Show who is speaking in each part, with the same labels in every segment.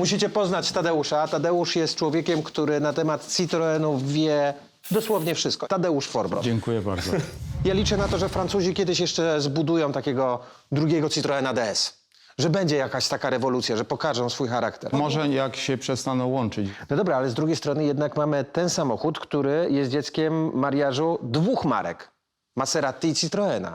Speaker 1: Musicie poznać Tadeusza. Tadeusz jest człowiekiem, który na temat Citroenów wie dosłownie wszystko. Tadeusz Forbroch.
Speaker 2: Dziękuję bardzo.
Speaker 1: Ja liczę na to, że Francuzi kiedyś jeszcze zbudują takiego drugiego Citroena DS. Że będzie jakaś taka rewolucja, że pokażą swój charakter.
Speaker 2: Może jak się przestaną łączyć.
Speaker 1: No dobra, ale z drugiej strony jednak mamy ten samochód, który jest dzieckiem mariażu dwóch marek. Maserati i Citroena.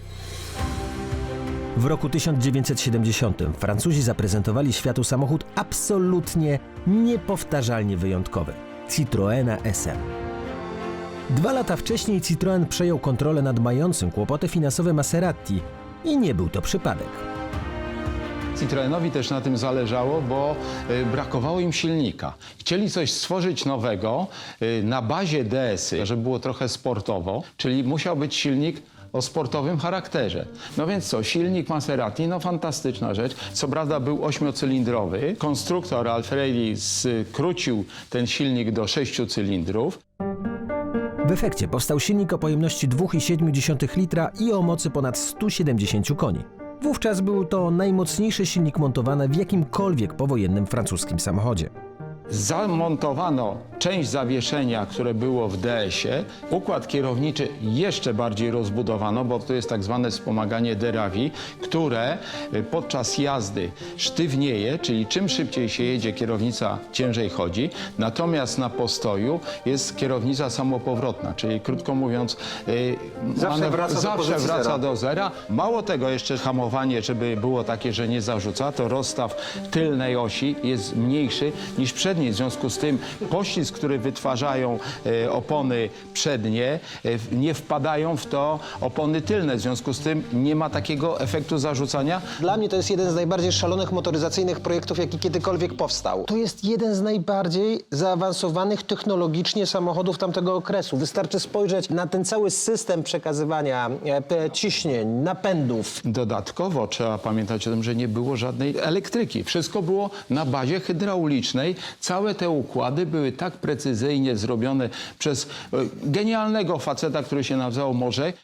Speaker 3: W roku 1970 Francuzi zaprezentowali światu samochód absolutnie niepowtarzalnie wyjątkowy – Citroena SM. 2 lata wcześniej Citroen przejął kontrolę nad mającym kłopoty finansowe Maserati i nie był to przypadek.
Speaker 2: Citroenowi też na tym zależało, bo brakowało im silnika. Chcieli coś stworzyć nowego na bazie DS-y, żeby było trochę sportowo, czyli musiał być silnik o sportowym charakterze. No więc co, silnik Maserati, no fantastyczna rzecz. Co prawda był 8-cylindrowy. Konstruktor Alfredi skrócił ten silnik do 6 cylindrów.
Speaker 3: W efekcie powstał silnik o pojemności 2,7 litra i o mocy ponad 170 koni. Wówczas był to najmocniejszy silnik montowany w jakimkolwiek powojennym francuskim samochodzie.
Speaker 2: Zamontowano część zawieszenia, które było w DS-ie. Układ kierowniczy jeszcze bardziej rozbudowano, bo to jest tak zwane wspomaganie Derawi, które podczas jazdy sztywnieje, czyli czym szybciej się jedzie, kierownica ciężej chodzi. Natomiast na postoju jest kierownica samopowrotna, czyli krótko mówiąc
Speaker 1: Zawsze wraca do
Speaker 2: do zera. Mało tego, jeszcze hamowanie, żeby było takie, że nie zarzuca, to rozstaw tylnej osi jest mniejszy niż przedniej. W związku z tym poślizg, który wytwarzają opony przednie, nie wpadają w to opony tylne. W związku z tym nie ma takiego efektu zarzucania.
Speaker 1: Dla mnie to jest jeden z najbardziej szalonych motoryzacyjnych projektów, jaki kiedykolwiek powstał. To jest jeden z najbardziej zaawansowanych technologicznie samochodów tamtego okresu. Wystarczy spojrzeć na ten cały system przekazywania ciśnień, napędów.
Speaker 2: Dodatkowo trzeba pamiętać o tym, że nie było żadnej elektryki. Wszystko było na bazie hydraulicznej. Całe te układy były tak precyzyjnie zrobione przez genialnego faceta, który się nazywał Morzek.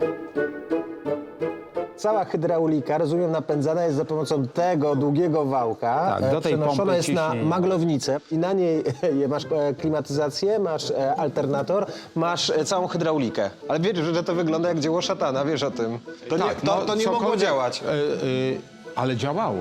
Speaker 1: Cała hydraulika, rozumiem, napędzana jest za pomocą tego długiego wałka.
Speaker 2: Tak, do tej
Speaker 1: przenoszona
Speaker 2: pompy
Speaker 1: jest na
Speaker 2: ciśnienia.
Speaker 1: maglownicę i na niej masz klimatyzację, masz alternator, masz całą hydraulikę. Ale wiesz, że to wygląda jak dzieło szatana, wiesz o tym. To nie,
Speaker 2: Tak, no,
Speaker 1: to nie mogło
Speaker 2: cokolwiek,
Speaker 1: działać.
Speaker 2: ale działało.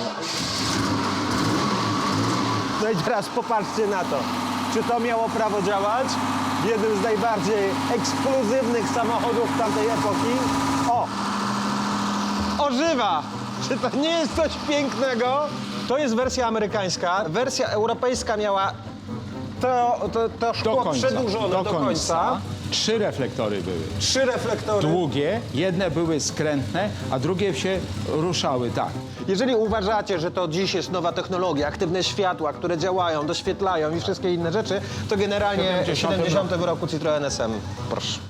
Speaker 1: No i teraz popatrzcie na to. Czy to miało prawo działać? W jednym z najbardziej ekskluzywnych samochodów tamtej epoki. O! Ożywa! Czy to nie jest coś pięknego? To jest wersja amerykańska. Wersja europejska miała to szkło przedłużone do końca.
Speaker 2: 3 reflektory były.
Speaker 1: 3 reflektory.
Speaker 2: Długie, jedne były skrętne, a drugie się ruszały tak.
Speaker 1: Jeżeli uważacie, że to dziś jest nowa technologia, aktywne światła, które działają, doświetlają i wszystkie inne rzeczy, to generalnie w 70 roku Citroen SM. Proszę.